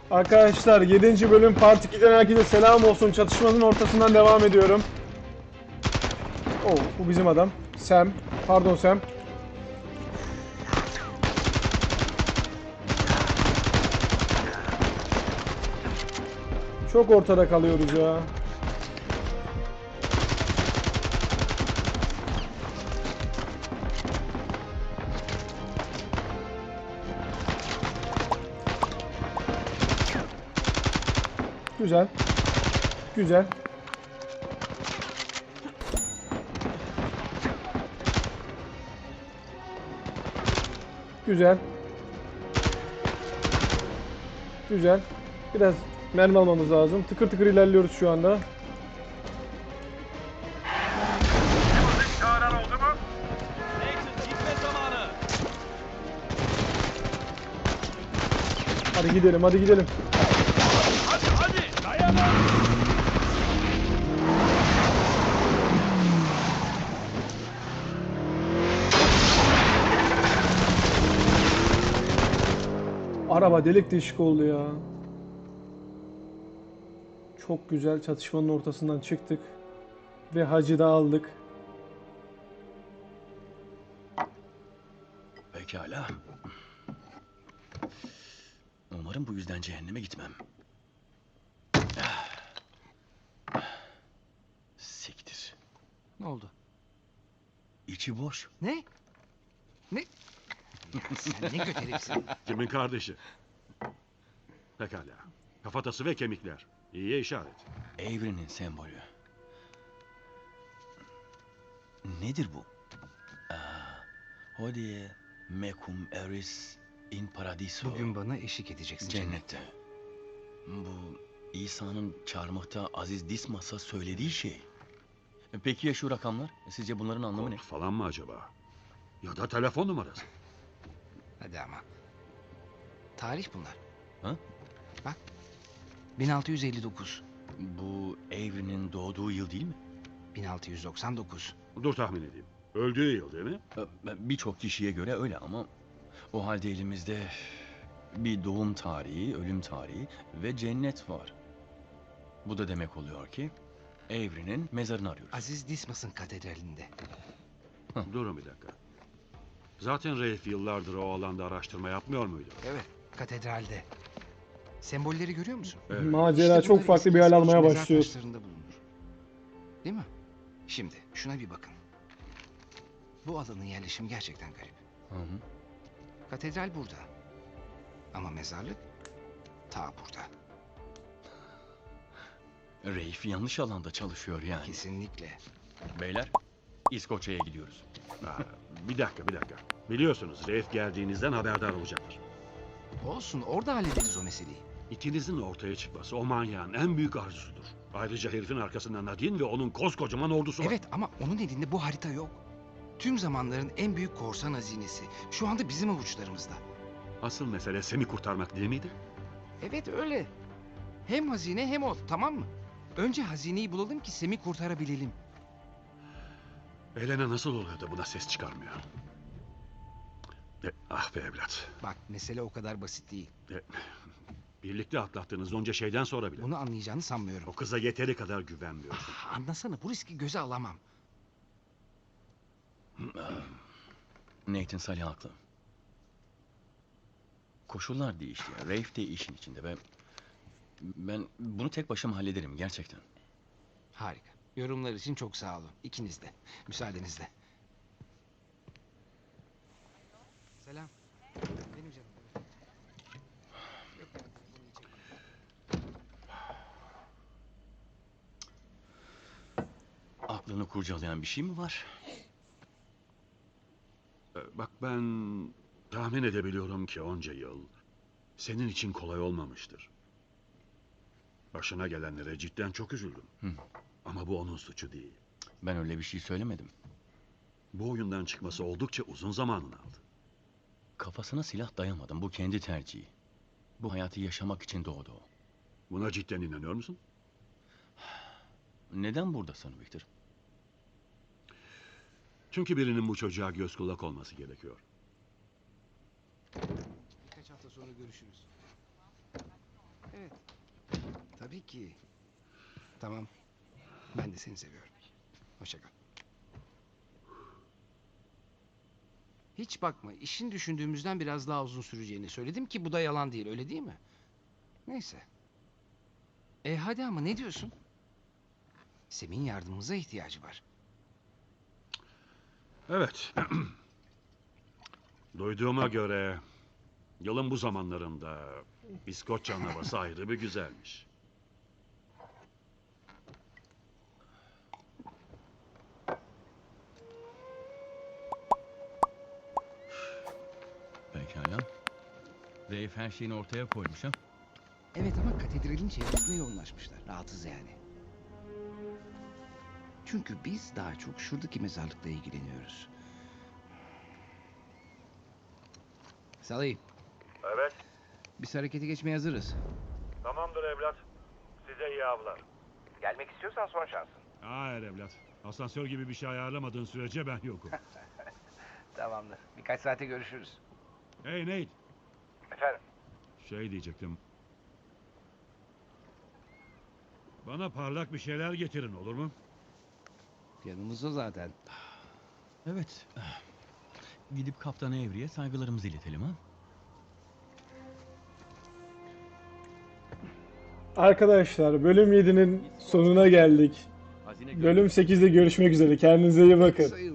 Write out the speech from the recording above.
Arkadaşlar 7. bölüm Part 2'den herkese selam olsun. Çatışmanın ortasından devam ediyorum. Oh, bu bizim adam. Sam. Pardon Sam. Çok ortada kalıyoruz ya. Güzel. Güzel. Güzel. Güzel. Biraz mermi almamız lazım. Tıkır tıkır ilerliyoruz şu anda. Çağıran oldu mu? Nathan gitme zamanı. Hadi gidelim, hadi gidelim. Hadi dayanın. Araba delik deşik oldu ya. Çok güzel, çatışmanın ortasından çıktık. Ve hacı da aldık. Pekala. Umarım bu yüzden cehenneme gitmem. Siktir. Ne oldu? İçi boş. Ne? Ne? Ya sen ne kötü herifsin. Kimin kardeşi? Pekala. Kafatası ve kemikler. İyiye işaret. Evrenin sembolü. Nedir bu? Hodie mecum eris in paradiso. Bugün bana eşlik edeceksin. Cennette. Bu İsa'nın çarmıhta Aziz Dismas'a söylediği şey. Peki ya şu rakamlar? Sizce bunların anlamı ne? Kod falan mı acaba? Ya da telefon numarası. Hadi ama. Tarih bunlar. Ha? Bak. 1659. Bu Avery'nin doğduğu yıl değil mi? 1699. Dur tahmin edeyim. Öldüğü yıl değil mi? Birçok kişiye göre öyle ama o halde elimizde bir doğum tarihi, ölüm tarihi ve cennet var. Bu da demek oluyor ki Avery'nin mezarını arıyoruz. Aziz Dismas'ın katedralinde. Durun bir dakika. Zaten Rafe yıllardır o alanda araştırma yapmıyor muydu? Evet. Katedralde. Sembolleri görüyor musun? Evet. Macera İşte çok bunlar farklı bir eski hal İskoç almaya mezar başlıyor. taşlarında bulunur. Değil mi? Şimdi şuna bir bakın. Bu alanın yerleşimi gerçekten garip. Hı hı. Katedral burada. Ama mezarlık ta burada. Rafe yanlış alanda çalışıyor yani. Kesinlikle. Beyler, İskoçya'ya gidiyoruz. Ha, bir dakika. Biliyorsunuz Rafe geldiğinizden haberdar olacaktır. Olsun, orada hallederiz o meseleyi. İkinizin ortaya çıkması o manyağın en büyük arzusudur. Ayrıca herifin arkasında Nadine ve onun koskocaman ordusu var. Evet ama onun elinde bu harita yok. Tüm zamanların en büyük korsan hazinesi. Şu anda bizim avuçlarımızda. Asıl mesele Sam'i kurtarmak değil miydi? Evet öyle. Hem hazine hem o, tamam mı? Önce hazineyi bulalım ki Sam'i kurtarabilelim. Elena nasıl oluyor da buna ses çıkarmıyor? Ah be evlat. Bak mesele o kadar basit değil. Birlikte atlattığınız onca şeyden sonra bile. Bunu anlayacağını sanmıyorum. O kıza yeteri kadar güvenmiyorsun. Anlasana bu riski göze alamam. Nathan Salih haklı. Koşullar değişti. Rafe de işin içinde ve ben bunu tek başıma hallederim gerçekten. Harika. Yorumlar için çok sağ olun. İkiniz de. Müsaadenizle. Selam. Benim canım. Yok ya, bunu yiyecek. Aklını kurcalayan bir şey mi var? Bak ben tahmin edebiliyorum ki onca yıl senin için kolay olmamıştır. Başına gelenlere cidden çok üzüldüm. Hı. Ama bu onun suçu değil. Ben öyle bir şey söylemedim. Bu oyundan çıkması oldukça uzun zamanını aldı. Kafasına silah dayamadım. Bu kendi tercihi. Bu hayatı yaşamak için doğdu o. Buna cidden inanıyor musun? Neden buradasın Victor? Çünkü birinin bu çocuğa göz kulak olması gerekiyor. Birkaç hafta sonra görüşürüz. tabii ki. Tamam. Ben de seni seviyorum. Hoşça kal. Hiç bakma, işin düşündüğümüzden biraz daha uzun süreceğini söyledim ki bu da yalan değil, öyle değil mi? Neyse. Hadi ama ne diyorsun? Sem'in yardımımıza ihtiyacı var. Evet. Duyduğuma göre yılın bu zamanlarında İskoçya'nın havası ayrı bir güzelmiş. Pekala. Dave her şeyini ortaya koymuş ha. Evet ama katedralin çevresine yoğunlaşmışlar. Rahatsız yani. Çünkü biz daha çok şuradaki mezarlıkla ilgileniyoruz. Salih, Evet, biz harekete geçmeye hazırız. tamamdır evlat. Size iyi avlar. Gelmek istiyorsan son şansın. Hayır evlat. Asansör gibi bir şey ayarlamadığın sürece ben yokum. Tamamdır. Birkaç saate görüşürüz. Hey Nate. Efendim? Şey diyecektim. Bana parlak bir şeyler getirin olur mu? Yanımızda zaten. Evet. Gidip Kaptan Avery'e saygılarımızı iletelim ha. Arkadaşlar bölüm 7'nin sonuna geldik. Bölüm 8'de görüşmek üzere. Kendinize iyi bakın.